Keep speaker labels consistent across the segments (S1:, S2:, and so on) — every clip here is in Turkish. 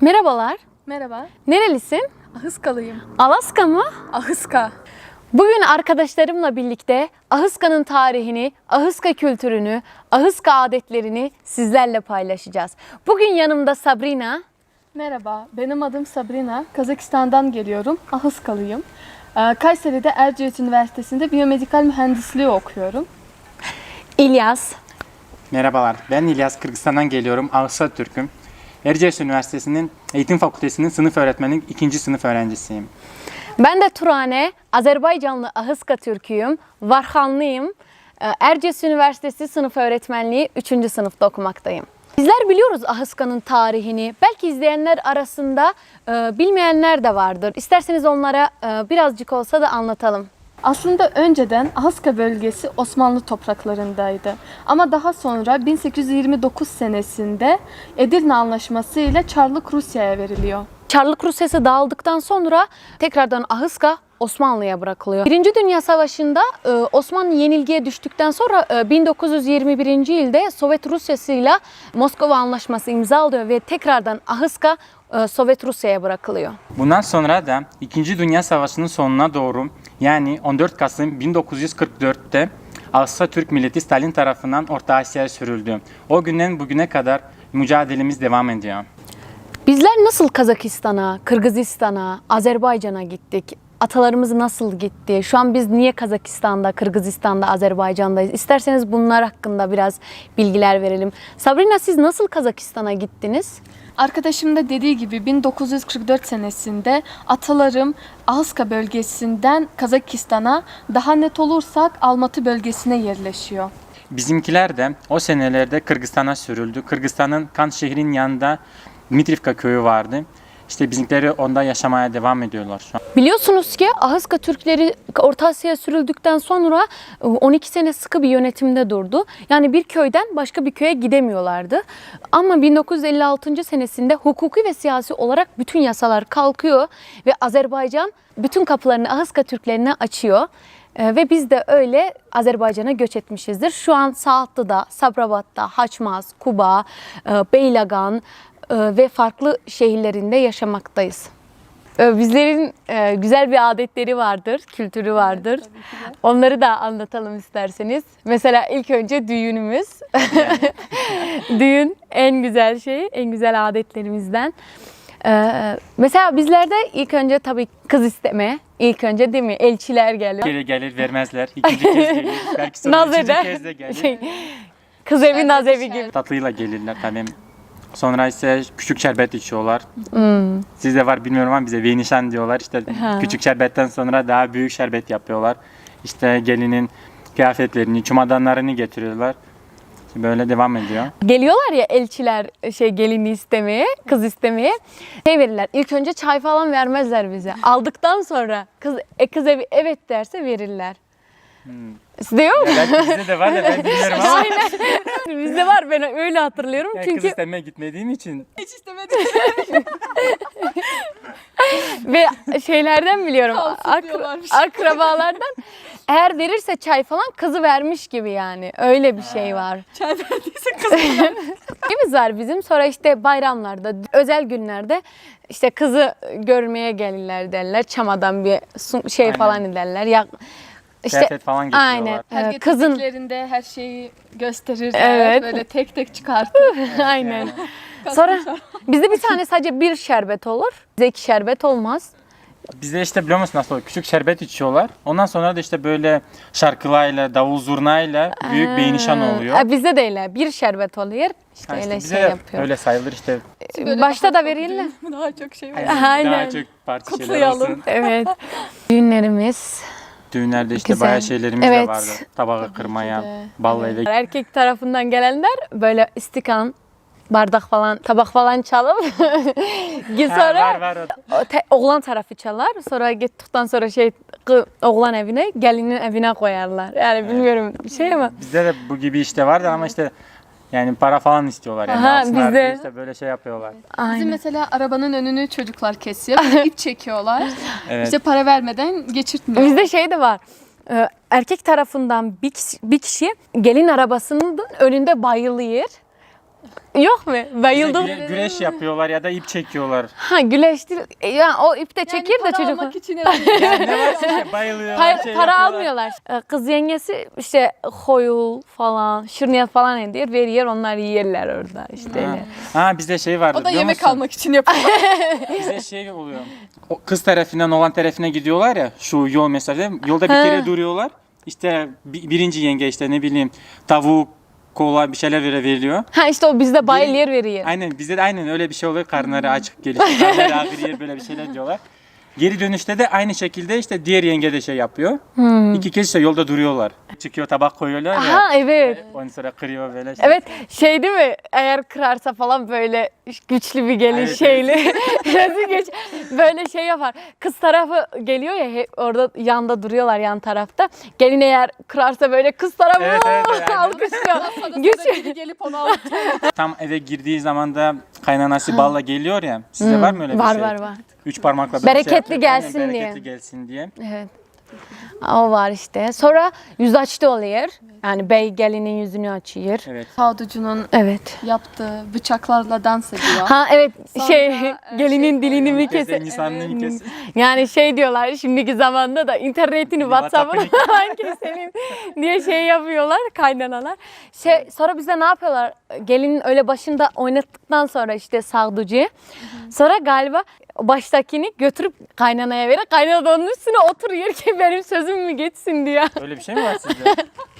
S1: Merhabalar.
S2: Merhaba.
S1: Nerelisin?
S2: Ahıskalıyım.
S1: Alaska mı?
S2: Ahıska.
S1: Bugün arkadaşlarımla birlikte Ahıska'nın tarihini, Ahıska kültürünü, Ahıska adetlerini sizlerle paylaşacağız. Bugün yanımda Sabrina.
S2: Merhaba. Benim adım Sabrina. Kazakistan'dan geliyorum. Ahıskalıyım. Kayseri'de Erciyes Üniversitesi'nde biyomedikal mühendisliği okuyorum.
S1: İlyas.
S3: Merhabalar, ben İlyas, Kırgızistan'dan geliyorum. Ağustos Türk'üm. Erciyes Üniversitesi'nin Eğitim Fakültesi'nin sınıf öğretmenlik 2. sınıf öğrencisiyim.
S1: Ben de Turane, Azerbaycanlı Ahıska Türk'üyüm, Varhanlıyım. Erciyes Üniversitesi sınıf öğretmenliği 3. sınıfta okumaktayım. Bizler biliyoruz Ahıska'nın tarihini. Belki izleyenler arasında bilmeyenler de vardır. İsterseniz onlara birazcık olsa da anlatalım.
S2: Aslında önceden Ahıska bölgesi Osmanlı topraklarındaydı. Ama daha sonra 1829 senesinde Edirne Anlaşması ile Çarlık Rusya'ya veriliyor.
S1: Çarlık Rusyası dağıldıktan sonra tekrardan Ahıska Osmanlı'ya bırakılıyor. Birinci Dünya Savaşı'nda Osmanlı yenilgiye düştükten sonra 1921. yılda Sovyet Rusyası'yla Moskova Anlaşması imzalıyor ve tekrardan Ahıska Sovyet Rusya'ya bırakılıyor.
S3: Bundan sonra da 2. Dünya Savaşı'nın sonuna doğru, yani 14 Kasım 1944'te Ağustos Türk milleti Stalin tarafından Orta Asya'ya sürüldü. O günden bugüne kadar mücadelemiz devam ediyor.
S1: Bizler nasıl Kazakistan'a, Kırgızistan'a, Azerbaycan'a gittik? Atalarımız nasıl gitti? Şu an biz niye Kazakistan'da, Kırgızistan'da, Azerbaycan'dayız? İsterseniz bunlar hakkında biraz bilgiler verelim. Sabrina, siz nasıl Kazakistan'a gittiniz?
S2: Arkadaşım da dediği gibi 1944 senesinde atalarım Ahıska bölgesinden Kazakistan'a, daha net olursak Almatı bölgesine yerleşiyor.
S3: Bizimkiler de o senelerde Kırgızistan'a sürüldü. Kırgızistan'ın Kan şehrinin yanında Dmitrivka köyü vardı. İşte bizimkileri onda yaşamaya devam ediyorlar şu an.
S1: Biliyorsunuz ki Ahıska Türkleri Orta Asya'ya sürüldükten sonra 12 sene sıkı bir yönetimde durdu. Yani bir köyden başka bir köye gidemiyorlardı. Ama 1956. senesinde hukuki ve siyasi olarak bütün yasalar kalkıyor ve Azerbaycan bütün kapılarını Ahıska Türklerine açıyor. Ve biz de öyle Azerbaycan'a göç etmişizdir. Şu an Saatlı'da, Sabirabad'da, Haçmaz, Kuba, Beylagan ve farklı şehirlerinde yaşamaktayız. Bizlerin güzel bir adetleri vardır, kültürü vardır.
S2: Evet,
S1: onları da anlatalım isterseniz. Mesela ilk önce düğünümüz. Düğün en güzel şey, en güzel adetlerimizden. Mesela bizlerde ilk önce tabii kız isteme. İlk önce değil mi? Elçiler geliyor.
S3: Bir kere gelir vermezler, ikinci kez gelir, belki sonra
S1: Naz
S3: üçüncü
S1: eder.
S3: kez de gelir.
S1: Kız evi, naz evi gibi.
S3: Tatlıyla gelirler tabii. Sonra ise küçük şerbet içiyorlar. Sizde var bilmiyorum ama bize venişan diyorlar. İşte küçük şerbetten sonra daha büyük şerbet yapıyorlar. İşte gelinin kıyafetlerini, çumadanlarını getiriyorlar. Böyle devam ediyor.
S1: Geliyorlar ya elçiler gelini istemeye, kız istemeye. Verirler. İlk önce çay falan vermezler bize. Aldıktan sonra kız evi evet derse verirler. Sizde yok mu?
S3: Evet, bizde de var ya ben bilmiyorum ama.
S1: Aynen. Bizde var, ben öyle hatırlıyorum.
S3: Yani
S1: Çünkü
S3: kız istemeye gitmediğim için.
S2: Hiç istemedim.
S1: ve şeylerden biliyorum.
S2: Kalsın diyorlarmış.
S1: Akrabalardan eğer verirse çay falan kızı vermiş gibi yani. Öyle bir şey var.
S2: Çay verdiyse kızım.
S1: Şeyimiz var bizim. Sonra işte bayramlarda, özel günlerde işte kızı görmeye gelirler derler. Çamadan bir şey
S3: Aynen.
S1: falan ederler. Ya işte
S3: Kıyafet falan getiriyorlar.
S1: aynen.
S2: Her
S1: Kızın
S2: getirdiklerinde her şeyi gösterirler.
S1: Evet.
S2: Böyle tek tek çıkartır.
S1: aynen. Sonra bizde bir tane sadece bir şerbet olur. Bize 2 şerbet olmaz.
S3: Bizde işte biliyor musun nasıl oluyor? Küçük şerbet içiyorlar. Ondan sonra da işte böyle şarkılarla, davul zurnayla büyük bir nişan oluyor.
S1: Bizde de öyle. Bir şerbet oluyor. İşte
S3: Ha, işte
S1: öyle
S3: bize
S1: şey
S3: de
S1: yapıyor.
S3: öyle sayılır işte.
S2: Böyle
S1: Başta
S2: daha
S1: da
S2: çok
S1: verirler.
S2: düğün, daha çok şey var.
S1: Aynen.
S3: Daha çok parti şeyler
S2: Kutlayalım.
S3: olsun.
S1: Evet. Düğünlerimiz.
S3: Düğünlerde işte
S1: Güzel.
S3: bayağı şeylerimiz
S1: Evet.
S3: de vardı. Tabağı kırmaya,
S2: de.
S3: balla eve.
S1: Erkek tarafından gelenler böyle istikan, bardak falan, tabak falan çalıp sonra
S3: Var.
S1: oğlan tarafı çalar. Sonra gittikten sonra oğlan evine, gelinin evine koyarlar. Yani bilmiyorum bir şey ama.
S3: Bizde de bu gibi işte vardı ama işte yani para falan istiyorlar yani.
S1: Aha,
S3: Alsınlar
S1: bizde.
S3: diye işte böyle şey yapıyorlar.
S2: Bizim
S1: Aynen.
S2: mesela arabanın önünü çocuklar kesiyor. Böyle ip çekiyorlar.
S3: Evet.
S2: İşte para vermeden geçirtmiyor.
S1: Bizde şey de var. Erkek tarafından bir kişi gelin arabasının önünde bayılıyor. Yok mu?
S3: Bize
S1: Bayıldım.
S3: güreş yapıyorlar ya da ip çekiyorlar.
S1: Ha güleş değil. Yani o ipte çekir de
S2: para
S1: çocuk.
S2: almak için yapıyor.
S3: Yani ne varsa işte bayılıyorlar,
S1: Para,
S3: şey
S1: para
S3: yapıyorlar.
S1: almıyorlar. Kız yengesi işte koyul falan, şırniyat falan ediyor, veriyor, onlar yerler orada işte. öyle.
S3: Ha bizde şey vardı
S2: O da
S3: biliyor
S2: yemek
S3: musun?
S2: almak için yapıyor.
S3: Bize şey oluyor. O kız tarafından oğlan tarafına gidiyorlar ya şu yol mesafede. Yolda bir kere duruyorlar. İşte birinci yenge işte ne bileyim tavuk, kola bir şeyler veriliyor.
S1: Ha işte o bizde bayıl yer veriyor.
S3: Aynen bizde de aynen öyle bir şey oluyor. Karnları açık geliyor. Karnları ağrıyor böyle bir şeyler diyorlar. Geri dönüşte de aynı şekilde işte diğer yenge de şey yapıyor. İki kez işte yolda duruyorlar. Çıkıyor tabak koyuyorlar ya.
S1: Ha evet.
S3: Ondan sonra kırıyor böyle. Şey.
S1: Evet şey değil mi? Eğer kırarsa falan böyle güçlü bir gelin
S3: Evet,
S1: şeyli. Nasıl güç? Böyle şey yapar. Kız tarafı geliyor ya hep orada yanda duruyorlar yan tarafta. Gelin eğer kırarsa böyle kız tarafı
S3: Evet, aynen.
S1: alkışlıyor. Güç.
S2: Biri gelip onu alıp
S3: Tam eve girdiği zaman da kaynanası balla geliyor ya. Sizde var mı öyle bir
S1: Var
S3: şey?
S1: var var.
S3: 3 parmakla böyle
S1: Bereketli
S3: şey yapıyor.
S1: gelsin
S3: Aynen,
S1: diye.
S3: Bereketli gelsin diye.
S1: Evet. O var işte. Sonra yüzaçlı oluyor. Yani bey gelinin yüzünü açıyor.
S3: Evet.
S2: Saducu'nun
S1: Evet.
S2: yaptığı bıçaklarla dans ediyor.
S1: Ha evet
S2: Sonra,
S1: gelinin dilini mi
S3: Kesen
S1: keser?
S3: insanlığı mı kesin?
S1: Yani şey diyorlar şimdiki zamanda da internetini WhatsApp'ını falan keselim diye şey yapıyorlar kaynanalar. Sonra bize ne yapıyorlar? Gelinin öyle başında oynattıktan sonra işte sağducuyu. Sonra galiba baştakini götürüp kaynanaya verir. Kaynana da onun üstüne oturuyor ki benim sözüm mü geçsin diye.
S3: Öyle bir şey mi var sizde?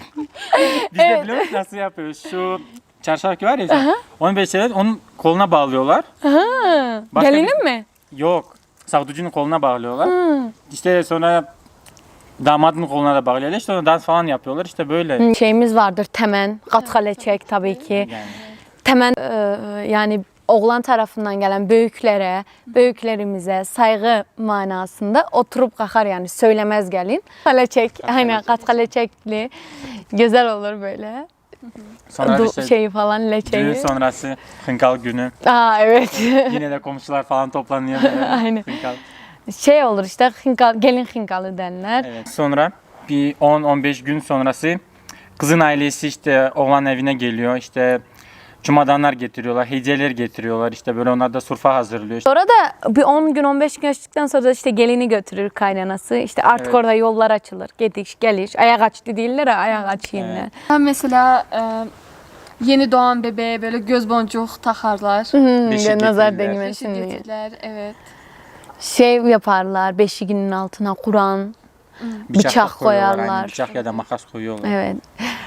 S3: Bizde biliyor musun nasıl yapıyoruz? Şu çarşaf var ya. Onu böyle şeyler, onun koluna bağlıyorlar. Başka
S1: Gelinin mi?
S3: Yok. Savducunun koluna bağlıyorlar. İşte sonra damadın koluna da bağlıyorlar. İşte ona dans falan yapıyorlar. İşte böyle.
S1: Şeyimiz vardır temen, katkalecek tabii ki.
S3: Yani.
S1: Temen yani oğlan tarafından gelen büyüklerimize saygı manasında oturup kalkar yani söylemez gelin. Kaleçek, aynen katkalecekli güzel olur böyle.
S3: Sonra işte
S1: Şeyi falan leçeyi.
S3: düğün sonrası hınkal günü.
S1: Aa evet.
S3: Yine de komşular falan toplanıyor. Böyle.
S1: Aynen.
S3: Hınkal.
S1: Şey olur işte gelin hınkalı denler.
S3: Evet. Sonra bir 10-15 gün sonrası kızın ailesi işte oğlan evine geliyor. İşte çumadanlar getiriyorlar, hediyeler getiriyorlar. İşte böyle onlar da surfa hazırlıyor.
S1: Sonra da bir 10 gün 15 gün geçtikten sonra da işte gelini götürür kaynanası. İşte artık
S3: Evet.
S1: orada yollar açılır. Gidiş geliş. Ayak açtı değiller ha, ayak açayım.
S3: Evet.
S2: Ben mesela yeni doğan bebeğe böyle göz boncuk takarlar.
S3: Beşik
S1: Nazar
S3: getirirler.
S1: değmesin
S2: Beşik
S1: diye.
S2: getirirler, evet.
S1: Şey yaparlar beşiğinin altına Kur'an. Bıçak
S3: da koyuyorlar,
S1: koyarlar.
S3: aynen. Bıçak ya da makas koyuyorlar.
S1: Evet.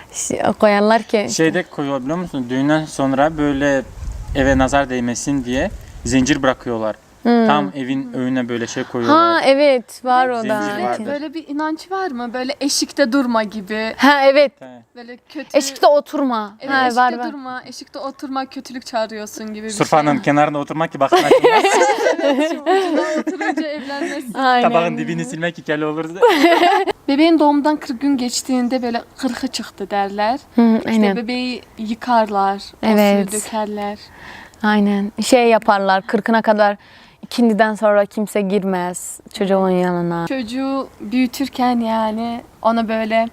S1: Koyarlar ki.
S3: Şeyde koyuyor biliyor musun? Düğünden sonra böyle eve nazar değmesin diye zincir bırakıyorlar. Tam evin önüne böyle şey koyuyorlar.
S1: Ha evet var o da.
S3: Zincir vardır.
S2: Böyle bir inanç var mı? Böyle eşikte durma gibi.
S1: Ha evet.
S3: Evet.
S2: Böyle kötü.
S1: Eşikte oturma.
S2: Evet,
S1: Ha,
S2: eşikte
S1: var var.
S2: durma. Eşikte oturma, kötülük çağırıyorsun gibi bir
S3: Surfanın kenarında oturmak ki bakın açılmaz.
S2: şey. Şu ucuna oturunca evlenmesin.
S1: Aynen.
S3: Tabağın dibini silmek hikayeli olur.
S2: Bebeğin doğumdan 40 gün geçtiğinde böyle kırkı çıktı derler.
S1: Hı,
S2: İşte
S1: aynen.
S2: bebeği yıkarlar, o
S1: Evet.
S2: suyu dökerler.
S1: Aynen. Şey yaparlar 40'ına kadar ikindiden sonra kimse girmez çocuğun yanına.
S2: Çocuğu büyütürken yani ona böyle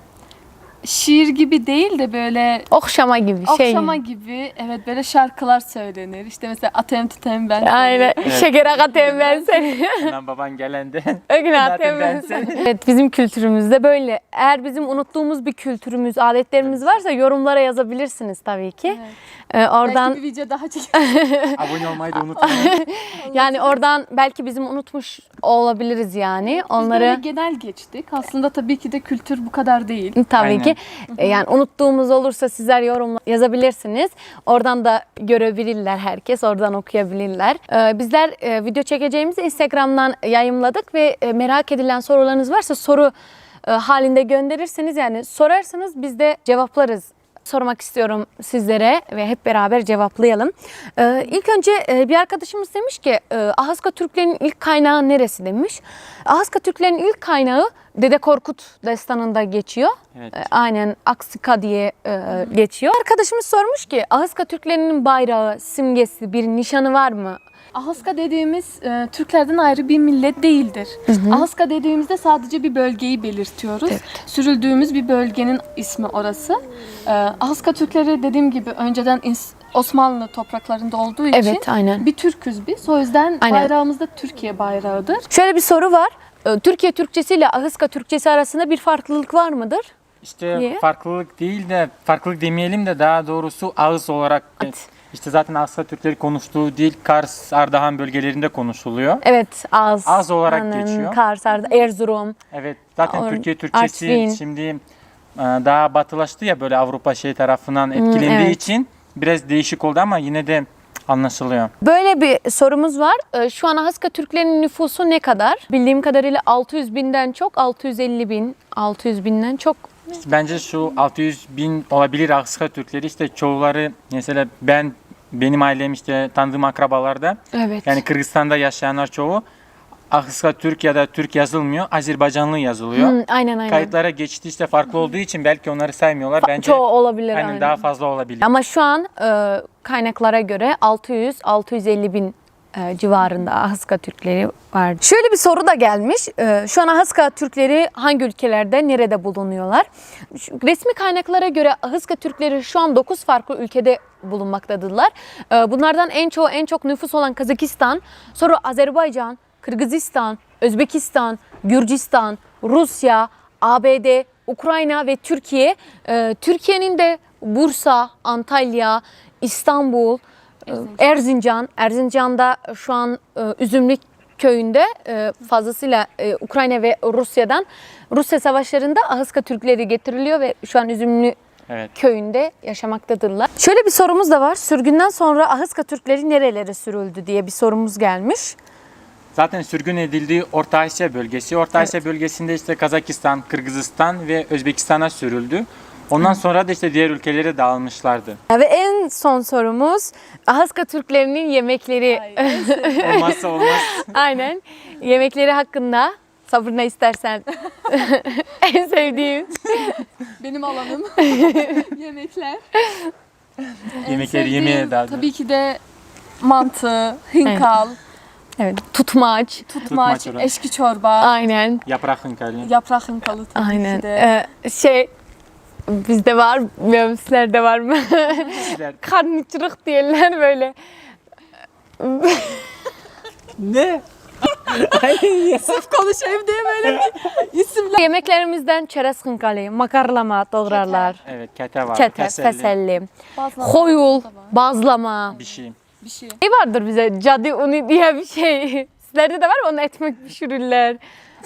S2: şiir gibi değil de böyle
S1: Okşama gibi şey.
S2: okşama gibi, evet, böyle şarkılar söylenir. İşte mesela atem tutem ben seni.
S1: Aynen. Şekere katayım ben seni.
S3: Hemen baban gelende.
S1: Ögün
S3: Zaten
S1: atayım ben
S3: ben
S1: seni. Evet bizim kültürümüzde böyle. Eğer bizim unuttuğumuz bir kültürümüz, adetlerimiz varsa yorumlara yazabilirsiniz tabii ki. Oradan
S2: Belki bir video daha çekelim.
S3: Abone olmayı da unutmayın.
S1: yani oradan belki bizim unutmuş olabiliriz yani.
S2: Biz böyle
S1: Onları
S2: genel geçtik. Aslında tabii ki de kültür bu kadar değil.
S1: tabii
S3: Aynen.
S1: ki yani unuttuğumuz olursa sizler yorumla yazabilirsiniz. Oradan da görebilirler herkes. Oradan okuyabilirler. Bizler video çekeceğimizi Instagram'dan yayımladık ve merak edilen sorularınız varsa soru halinde gönderirseniz yani sorarsanız biz de cevaplarız. Sormak istiyorum sizlere ve hep beraber cevaplayalım. İlk önce bir arkadaşımız demiş ki Ahıska Türklerin ilk kaynağı neresi demiş. Ahıska Türklerin ilk kaynağı Dede Korkut destanında geçiyor.
S3: Evet.
S1: Aynen Aksika diye geçiyor. Arkadaşımız sormuş ki Ahıska Türklerinin bayrağı, simgesi, bir nişanı var mı?
S2: Ahıska dediğimiz Türklerden ayrı bir millet değildir. Ahıska dediğimizde sadece bir bölgeyi belirtiyoruz.
S1: Evet.
S2: Sürüldüğümüz bir bölgenin ismi orası. Ahıska Türkleri dediğim gibi önceden Osmanlı topraklarında olduğu için
S1: Evet, aynen.
S2: bir Türküz biz. O yüzden
S1: Aynen.
S2: bayrağımız da Türkiye bayrağıdır.
S1: Şöyle bir soru var. Türkiye Türkçesi ile Ahıska Türkçesi arasında bir farklılık var mıdır?
S3: İşte
S1: Niye?
S3: farklılık değil de, farklılık demeyelim de daha doğrusu ağız olarak.
S1: Evet.
S3: İşte zaten Ahıska Türkleri konuştuğu dil Kars, Ardahan bölgelerinde konuşuluyor.
S1: Evet, az.
S3: olarak geçiyor.
S1: Kars, Erzurum.
S3: Evet, zaten
S1: Or-
S3: Türkiye Türkçesi
S1: Artvin.
S3: şimdi daha batılaştı ya, böyle Avrupa tarafından etkilendiği
S1: evet.
S3: için biraz değişik oldu ama yine de anlaşılıyor.
S1: Böyle bir sorumuz var. Şu an Ahıska Türklerinin nüfusu ne kadar? Bildiğim kadarıyla 600 binden çok, 650 bin, 600 binden çok.
S3: İşte bence şu 600 bin olabilir Ahıska Türkleri, işte çoğuları mesela benim ailem işte tanıdığım akrabalarda,
S1: Evet.
S3: yani Kırgızistan'da yaşayanlar çoğu Ahıska Türk ya da Türk yazılmıyor, Azerbaycanlı yazılıyor.
S1: Aynen.
S3: Kayıtlara geçti işte farklı olduğu için belki onları saymıyorlar. Bence
S1: Çoğu olabilir.
S3: aynen daha fazla olabilir.
S1: Ama şu an kaynaklara göre 600-650 bin civarında Ahıska Türkleri var. Şöyle bir soru da gelmiş. Şu an Ahıska Türkleri hangi ülkelerde, nerede bulunuyorlar? Resmi kaynaklara göre Ahıska Türkleri şu an 9 farklı ülkede bulunmaktadırlar. Bunlardan en çok nüfus olan Kazakistan, sonra Azerbaycan, Kırgızistan, Özbekistan, Gürcistan, Rusya, ABD, Ukrayna ve Türkiye. Türkiye'nin de Bursa, Antalya, İstanbul, Erzincan'da şu an Üzümlük köyünde fazlasıyla Ukrayna ve Rusya savaşlarında Ahıska Türkleri getiriliyor ve şu an Üzümlü
S3: Evet.
S1: köyünde yaşamaktadırlar. Şöyle bir sorumuz da var. Sürgünden sonra Ahıska Türkleri nerelere sürüldü diye bir sorumuz gelmiş.
S3: Zaten sürgün edildiği Orta Asya bölgesi. Orta Asya bölgesinde işte Kazakistan, Kırgızistan ve Özbekistan'a sürüldü. Ondan sonra da işte diğer ülkelere dağılmışlardı.
S1: Ve en son sorumuz Ahıska Türklerinin yemekleri.
S3: Olmazsa olmaz.
S1: Aynen. Yemekleri hakkında sabırla istersen. En sevdiğim.
S2: Benim alanım. Yemekler.
S3: Yemekleri
S2: Sevdiğim
S3: yemeye daha
S2: tabii ki de mantı, hinkal,
S1: Evet. Tutmaç.
S2: tutmaç,
S3: çorba.
S2: eşki çorba,
S1: Aynen.
S3: yaprak hınkali.
S2: yaprak hinkalı tabii
S1: Aynen.
S2: ki de.
S1: Bizde var, bilmiyorum sizlerde var mı?
S3: Sizler-
S1: Karnıçırık diyorlar böyle.
S3: Ne?
S2: Sırf konuşayım diye böyle bir isimler.
S1: Yemeklerimizden çerez hınkali, makarlama doğrarlar.
S3: Evet, kete var.
S1: Çete,
S3: keselli,
S1: feselli,
S2: Bazlama
S1: hoyul,
S2: da var.
S1: bazlama.
S3: bir şey.
S2: Bir şey.
S1: Ne vardır bize? Cadı unu diye bir şey. Sizlerde de var mı? Onu ekmek pişirirler.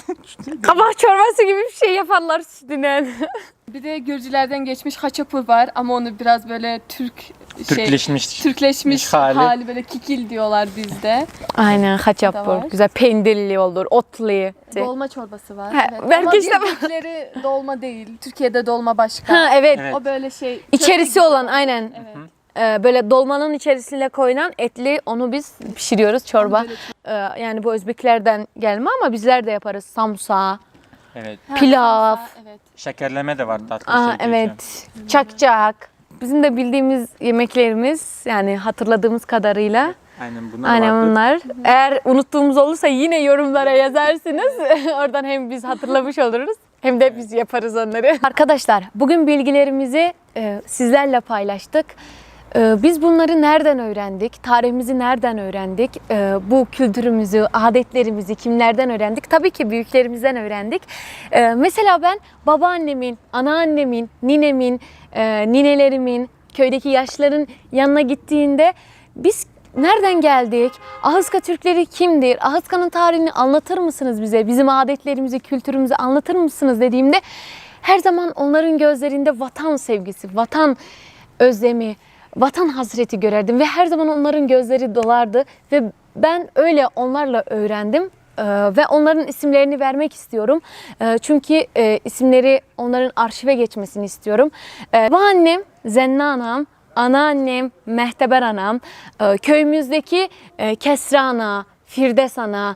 S1: Kabak çorbası gibi bir şey yaparlar sütünden.
S2: Bir de Gürcülerden geçmiş haçapur var ama onu biraz böyle
S3: Türkleşmiş.
S2: Türkleşmiş
S3: hali.
S2: hali böyle kikil diyorlar bizde.
S1: Aynen,
S2: Da
S1: haçapur.
S2: var.
S1: Güzel peynirli olur, otlu.
S2: Dolma çorbası var.
S1: Ha,
S2: Evet.
S1: belki
S2: Ama
S1: işte-
S2: bildikleri dolma değil. Türkiye'de dolma başka.
S1: Ha evet.
S3: Evet.
S2: O böyle şey.
S1: İçerisi
S2: köfte gibi
S1: olan aynen.
S2: Evet.
S1: Böyle dolmanın içerisine koyulan etli, onu biz pişiriyoruz çorba. Yani bu Özbeklerden gelme ama bizler de yaparız. Samsa,
S3: Evet.
S2: Ha,
S1: pilav.
S2: sarımsak, evet.
S3: Şekerleme de var tatlı.
S1: Aa,
S3: şey geçiyor.
S1: evet, çakçak. Bizim de bildiğimiz yemeklerimiz, yani hatırladığımız kadarıyla.
S3: Aynen bunlar
S1: Aynen
S3: vardır.
S1: bunlar. Eğer unuttuğumuz olursa yine yorumlara yazarsınız. Oradan hem biz hatırlamış oluruz hem de biz yaparız onları. Arkadaşlar, bugün bilgilerimizi sizlerle paylaştık. Biz bunları nereden öğrendik? Tarihimizi nereden öğrendik? Bu kültürümüzü, adetlerimizi kimlerden öğrendik? Tabii ki büyüklerimizden öğrendik. Mesela ben babaannemin, anaannemin, ninemin, ninelerimin, köydeki yaşların yanına gittiğinde biz nereden geldik? Ahıska Türkleri kimdir? Ahıska'nın tarihini anlatır mısınız bize? Bizim adetlerimizi, kültürümüzü anlatır mısınız dediğimde her zaman onların gözlerinde vatan sevgisi, vatan özlemi, vatan hasreti görerdim ve her zaman onların gözleri dolardı ve ben öyle onlarla öğrendim. Ve onların isimlerini vermek istiyorum. Çünkü isimleri onların arşive geçmesini istiyorum. Babaannem Zenna anam, anaannem Mehteber anam, köyümüzdeki Kesra ana, Firdevs ana,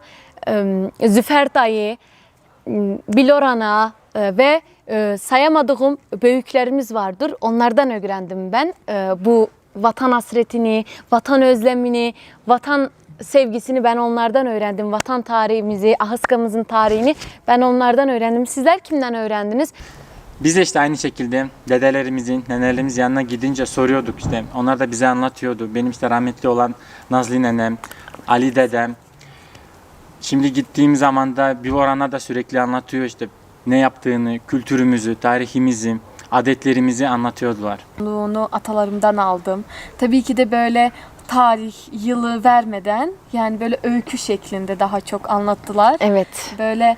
S1: Züfer dayı, Bilor ana ve sayamadığım büyüklerimiz vardır. Onlardan öğrendim ben bu vatan hasretini, vatan özlemini, vatan sevgisini ben onlardan öğrendim. Vatan tarihimizi, Ahıska'mızın tarihini ben onlardan öğrendim. Sizler kimden öğrendiniz?
S3: Biz de işte aynı şekilde dedelerimizin, nenelerimizin yanına gidince soruyorduk işte. Onlar da bize anlatıyordu. Benim işte rahmetli olan Nazlı nenem, Ali dedem. Şimdi gittiğim zaman da bir orana da sürekli anlatıyor işte ne yaptığını, kültürümüzü, tarihimizi, adetlerimizi anlatıyordular.
S2: Onu atalarımdan aldım. Tabii ki de böyle tarih, yılı vermeden yani böyle öykü şeklinde daha çok anlattılar.
S1: Evet.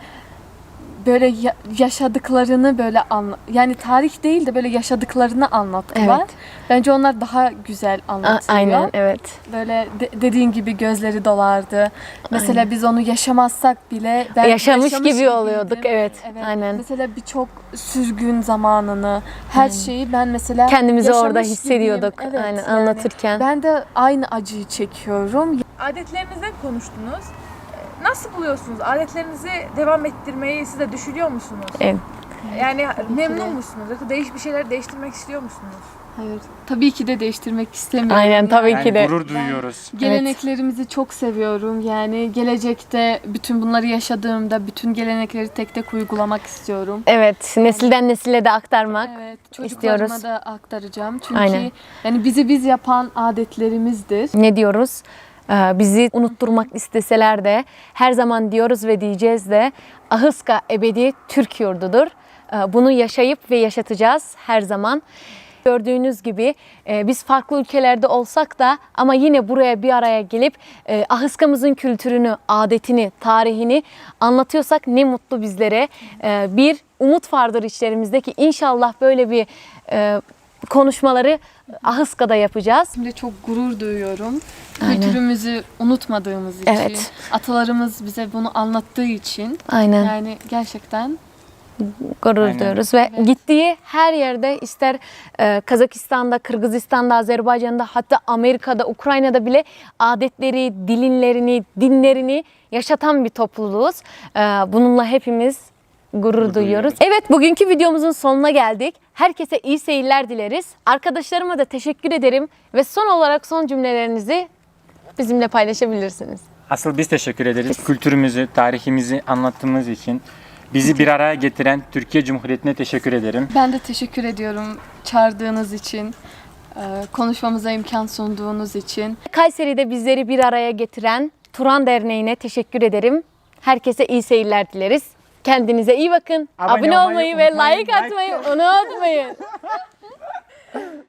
S2: Böyle yaşadıklarını böyle yani tarih değil de böyle yaşadıklarını anlattılar.
S1: Evet.
S2: Bence onlar daha güzel anlatıyor.
S1: Aynen, evet.
S2: Böyle dediğin gibi gözleri dolardı. Mesela
S1: Aynen.
S2: biz onu yaşamazsak bile ben
S1: Yaşamış gibi
S2: gibiydim.
S1: oluyorduk, evet. Aynen.
S2: Mesela birçok sürgün zamanını, her şeyi ben mesela
S1: Kendimizi
S2: yaşamış
S1: orada hissediyorduk.
S2: gibiyim. Evet,
S1: Aynen,
S2: yani
S1: anlatırken.
S2: ben de aynı acıyı çekiyorum.
S4: Adetlerinizden konuştunuz. Nasıl buluyorsunuz? Adetlerinizi devam ettirmeyi siz de düşünüyor musunuz?
S1: Evet.
S4: Yani memnun
S2: de.
S4: musunuz? Yoksa bir şeyler değiştirmek istiyor musunuz?
S2: Hayır. Tabii ki de değiştirmek istemiyorum.
S1: Aynen, tabii
S3: Yani
S1: ki de.
S3: gurur duyuyoruz.
S2: Geleneklerimizi çok seviyorum. Yani gelecekte bütün bunları yaşadığımda bütün gelenekleri tek tek uygulamak istiyorum.
S1: Evet, nesilden nesile de aktarmak.
S2: Evet, çocuklarıma
S1: istiyoruz.
S2: da aktaracağım. Çünkü
S1: Aynen.
S2: yani bizi biz yapan adetlerimizdir.
S1: Ne diyoruz? Bizi unutturmak isteseler de her zaman diyoruz ve diyeceğiz de Ahıska ebedi Türk yurdudur. Bunu yaşayıp ve yaşatacağız her zaman. Gördüğünüz gibi biz farklı ülkelerde olsak da ama yine buraya bir araya gelip Ahıska'mızın kültürünü, adetini, tarihini anlatıyorsak ne mutlu bizlere. Bir umut vardır içlerimizdeki ki inşallah böyle bir konuşmaları Ahıska'da yapacağız.
S2: Şimdi çok gurur duyuyorum.
S1: Aynen.
S2: Kültürümüzü unutmadığımız için,
S1: Evet.
S2: atalarımız bize bunu anlattığı için
S1: Aynen.
S2: yani gerçekten
S1: Gurur
S3: Aynen.
S1: duyuyoruz ve gittiği her yerde ister Kazakistan'da, Kırgızistan'da, Azerbaycan'da hatta Amerika'da, Ukrayna'da bile adetleri, dinlerini yaşatan bir topluluğuz. Bununla hepimiz gurur duyuyoruz. Evet, bugünkü videomuzun sonuna geldik. Herkese iyi seyirler dileriz. Arkadaşlarıma da teşekkür ederim ve son olarak son cümlelerinizi bizimle paylaşabilirsiniz.
S3: Asıl biz teşekkür ederiz. Kültürümüzü, tarihimizi anlattığımız için. Bizi bir araya getiren Türkiye Cumhuriyeti'ne teşekkür ederim.
S2: ben de teşekkür ediyorum çağırdığınız için, konuşmamıza imkan sunduğunuz için.
S1: Kayseri'de bizleri bir araya getiren Turan Derneği'ne teşekkür ederim. Herkese iyi seyirler dileriz. Kendinize iyi bakın.
S3: Abone
S1: Abone
S3: olmayı
S1: olmayı ve
S3: unutmayın.
S1: like atmayı unutmayın.